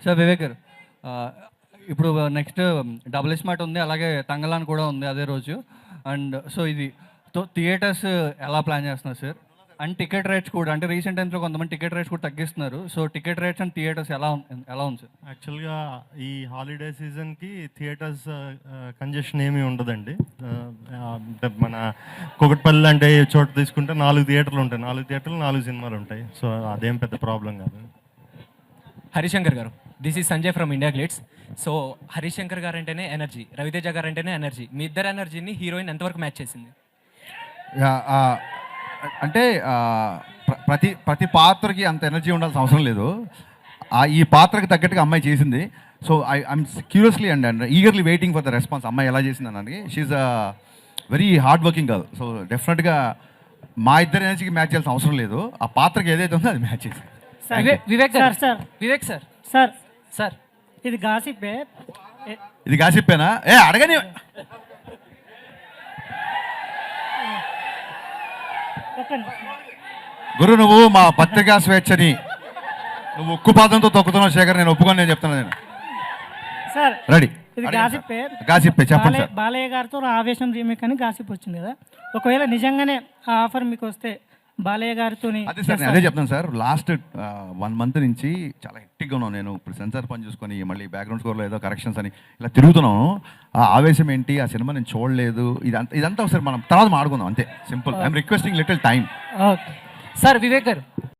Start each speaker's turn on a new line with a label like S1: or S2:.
S1: Sir Vivek గారు, ఇప్పుడు next double smart ఉంది, అలాగే తంగలాన్ కూడా ఉంది అదే రోజు. అండ్ సో ఇది థియేటర్స్ ఎలా ప్లాన్ చేస్తున్నారు సార్? అండ్ టికెట్ రేట్స్ కూడా, అంటే రీసెంట్ టైమ్స్లో కొంతమంది టికెట్ రేట్స్ కూడా తగ్గిస్తున్నారు. So ticket rates and theatres ఎలా ఉంది సార్?
S2: యాక్చువల్గా ఈ హాలిడే సీజన్కి థియేటర్స్ కంజెషన్ ఏమీ ఉండదండి. మన కుకట్పల్లి అంటే చోట తీసుకుంటే 4 థియేటర్లు ఉంటాయి, 4 థియేటర్లు 4 సినిమాలు ఉంటాయి. సో అదేం పెద్ద ప్రాబ్లం కాదు.
S3: హరిశంకర్ గారు, this is Sanjay from IndiaGlitz. So Harishankar గారు అంటేనే ఎనర్జీ, రవితేజ గారు అంటేనే ఎనర్జీ. మీ ఇద్దరు ఎనర్జీని హీరోయిన్ ఎంతవరకు మ్యాచ్ చేసింది?
S4: అంటే ప్రతి పాత్రకి అంత ఎనర్జీ ఉండాల్సిన అవసరం లేదు. ఈ పాత్రకి తగ్గట్టుగా అమ్మాయి చేసింది. So I'm curiously and eagerly waiting for the response. అమ్మాయి ఎలా చేసింది అన్నది. She's a very hard working girl. So డెఫినెట్గా మా ఇద్దరు ఎనర్జీకి మ్యాచ్ చేయాల్సిన అవసరం లేదు. ఆ పాత్రకి ఏదైతే ఉందో అది మ్యాచ్ చేసింది.
S3: Vivek sir, sir Vivek sir,
S5: sir
S3: sir
S5: ఇది గాసిప్పే.
S4: ఇది గాసిప్పేనా? అడగని. గురు, నువ్వు మా పత్రికా స్వేచ్ఛని నువ్వు ఉక్కుపాదంతో తొక్కుతున్నావు శేఖర్. నేను ఒప్పుకొని నేను చెప్తున్నాను. నేను
S5: సార్
S4: రెడీ.
S5: ఇది గాసిప్పే.
S4: గాసిప్పే చెప్పండి సార్.
S5: బాలయ్య గారితో ఆవేశం రీమేక్ అని గాసిప్ వచ్చింది కదా, ఒకవేళ నిజంగానే ఆ ఆఫర్ మీకు వస్తే బాలయ్య గారితో
S4: అదే సార్, నేను అదే చెప్తాను సార్. లాస్ట్ 1 మంత్ నుంచి చాలా హెక్టిక్గా ఉన్నాను. నేను ఇప్పుడు సెన్సార్ పని చూసుకొని మళ్ళీ బ్యాక్గ్రౌండ్ స్కోర్లో ఏదో కరెక్షన్స్ అని ఇలా తిరుగుతున్నాను. ఆ ఆవేశం ఏంటి, ఆ సినిమా నేను చూడలేదు, ఇదంతా ఒకసారి మనం తర్వాత మాడుకుందాం అంతే. Simple. I'm requesting little time.
S3: Sir Vivek గారు,